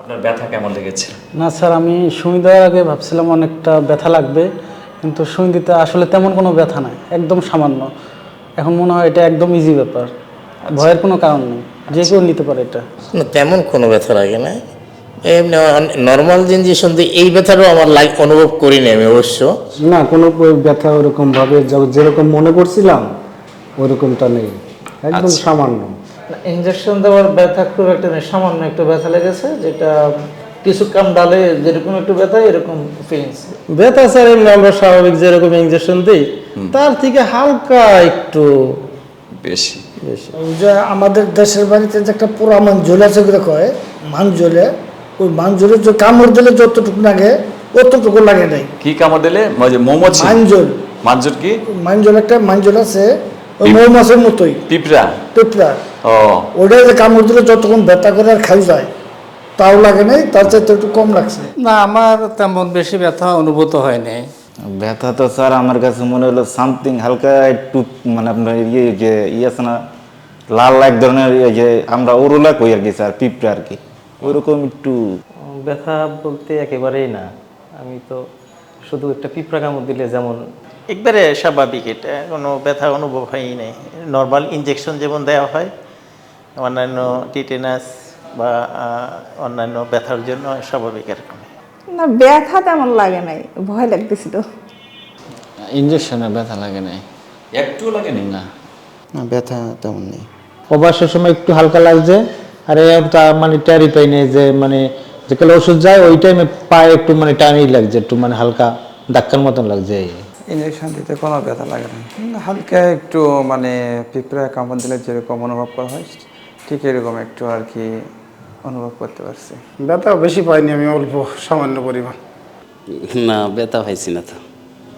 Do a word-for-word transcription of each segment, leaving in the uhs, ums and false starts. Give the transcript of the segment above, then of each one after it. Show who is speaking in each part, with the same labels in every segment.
Speaker 1: আপনার ব্যথা কেমন লেগেছে?
Speaker 2: না স্যার, আমি সুই দেওয়ার আগে ভাবছিলাম অনেকটা ব্যথা লাগবে, কিন্তু সুই দিতে আসলে তেমন কোনো ব্যথা নাই, একদম সামান্য। এখন মনে হয় এটা একদম ইজি ব্যাপার, ভয়ের কোনো কারণ নেই, যে কেউ নিতে পারে এটা।
Speaker 3: না, তেমন কোনো ব্যথা লাগে না, এমনি নর্মাল ইঞ্জেকশন দিয়ে এই ব্যথাটাও আমার লাইক অনুভব করিনি আমি অবশ্য।
Speaker 4: না, কোনো ব্যথা ওরকমভাবে যেরকম মনে করছিলাম ওরকমটা নেই, একদম সামান্য।
Speaker 5: ইঞ্জেকশন দেওয়ার ব্যথা খুব একটা নেই, সামান্য একটু ব্যথা লেগেছে, যেটা কিছু কাম ডালে যেরকম একটু ব্যথা এরকম ফিলিংস।
Speaker 4: ব্যথা স্যার এমনি আমরা স্বাভাবিক যেরকম ইঞ্জেকশন দিই তার থেকে হালকা একটু
Speaker 1: বেশি
Speaker 4: বেশি।
Speaker 6: যে আমাদের দেশের বাড়িতে যে একটা পোড়া মাঞ্জল আছে ওগুলো কয় মাঞ্জলে, ওই মাঞ্জলে যে কামড় দিলে যতটুকু লাগে অতটুকু লাগে নাই।
Speaker 1: কি কামড় দিলে? মৌমাছি
Speaker 6: মাঞ্জল,
Speaker 1: মাঞ্জর কি?
Speaker 6: মাঞ্জল একটা মাঞ্জল আছে ওই মৌমাছির মতোই,
Speaker 1: পিঁপড়া।
Speaker 6: পিঁপড়া।
Speaker 1: ও,
Speaker 6: ওটা যে কামড় দিলে যতক্ষণ ব্যথা করে আর খাই যায় তাও লাগে নাই, তার চাইতে একটু কম লাগছে।
Speaker 7: না, আমার তেমন বেশি ব্যথা অনুভূত হয়নি।
Speaker 8: ব্যথা তো স্যার আমার কাছে মনে হলো সামথিং হালকা একটু, মানে আপনার ইয়ে যে ইয়ে আছে না, লাল এক ধরনের ইয়ে যে আমরা ওরুলা কই আর কি স্যার, পিঁপড়া আর কি, ওইরকম একটু।
Speaker 9: ব্যথা বলতে একেবারেই না, আমি তো শুধু একটা পিঁপড়া কামড় দিলে যেমন
Speaker 10: একবারে স্বাভাবিক, এটা কোনো ব্যথা অনুভব হয়ই নেই। নর্মাল ইনজেকশন যেমন দেওয়া হয় অন্যান্য টিটেনাস বা অন্যান্য ব্যথার জন্য স্বাভাবিক এরকম।
Speaker 11: না, ব্যথা তেমন লাগে নাই, ভয় লাগতেছিল।
Speaker 7: ইঞ্জেকশনে ব্যথা লাগে নাই,
Speaker 1: একটু লাগে না।
Speaker 3: না, ব্যথা তেমন নেই।
Speaker 4: অবশ্যই সময় একটু হালকা লাগছে, আর মানে ট্যারি পাই নেই যে মানে যেকালে ওষুধ যায় ওই টাইমে পায়ে একটু মানে টানই লাগছে, একটু মানে হালকা ধাক্কার মতন লাগছে।
Speaker 7: ইঞ্জেকশন দিতে কোনো ব্যথা লাগে না, হালকা একটু মানে পিঁপড়া কামড় দিলে যেরকম অনুভব করা হয় ঠিক এরকম একটু আর কি অনুভব করতে পারছি।
Speaker 4: ব্যথা বেশি পাইনি আমি, অল্প সামান্য পরিমাণ।
Speaker 12: না, ব্যথা পাইছি না তো,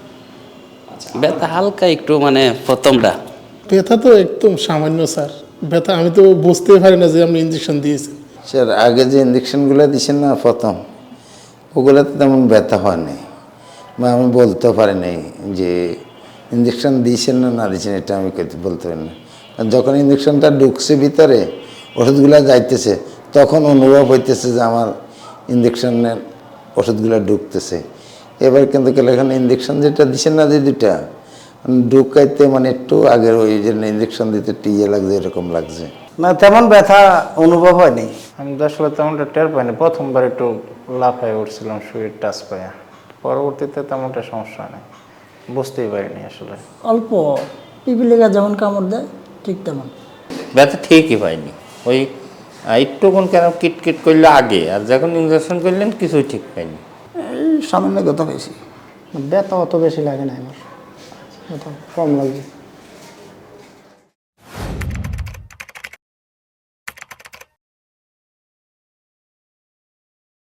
Speaker 12: ব্যথা হালকা একটু, মানে প্রথমটা।
Speaker 13: ব্যথা তো একদম সামান্য স্যার, ব্যথা আমি তো বুঝতে পারি না যে আপনি ইঞ্জেকশন দিয়েছেন।
Speaker 3: স্যার আগে যে ইঞ্জেকশনগুলো দিয়েছেন না প্রথম, ওগুলোতে তেমন ব্যথা হয়নি, বা আমি বলতে পারি নাই যে ইঞ্জেকশন দিয়েছেন না না দিয়েছেন, এটা আমি বলতে পারি না। যখন ইঞ্জেকশনটা ঢুকছে ভিতরে, ওষুধগুলো যাইতেছে, তখন অনুভব হইতেছে যে আমার ইঞ্জেকশনের ওষুধগুলো ঢুকতেছে। এবার কিন্তু এখানে ইঞ্জেকশন যেটা দিচ্ছেন না যে দুটা ঢুকাইতে মানে একটু আগের ওই জন্য ইঞ্জেকশন দিতে টিয়ে লাগছে, এরকম লাগছে।
Speaker 5: না, তেমন ব্যথা অনুভব হয়নি, আমি তো আসলে তেমনটা টের পাইনি। প্রথমবার একটু লাফায় উঠছিলাম সুইয়ের টাচ পায়া, পরবর্তীতে তেমনটা সমস্যা নেই, বুঝতেই পারিনি আসলে।
Speaker 11: অল্প পিপিলিকা যেমন কামড় দেয় ঠিক তেমন
Speaker 3: ব্যথা ঠিকই পাইনি, ওই একটুক্ষণ কেন কিটকিট করলে আগে, আর যখন ইঞ্জেকশন করলেন কিছুই ঠিক পাইনি।
Speaker 6: এই সামান্য ব্যথা পেয়েছি,
Speaker 4: ব্যথা অত বেশি লাগে না আমার, ব্যথা কম লাগে।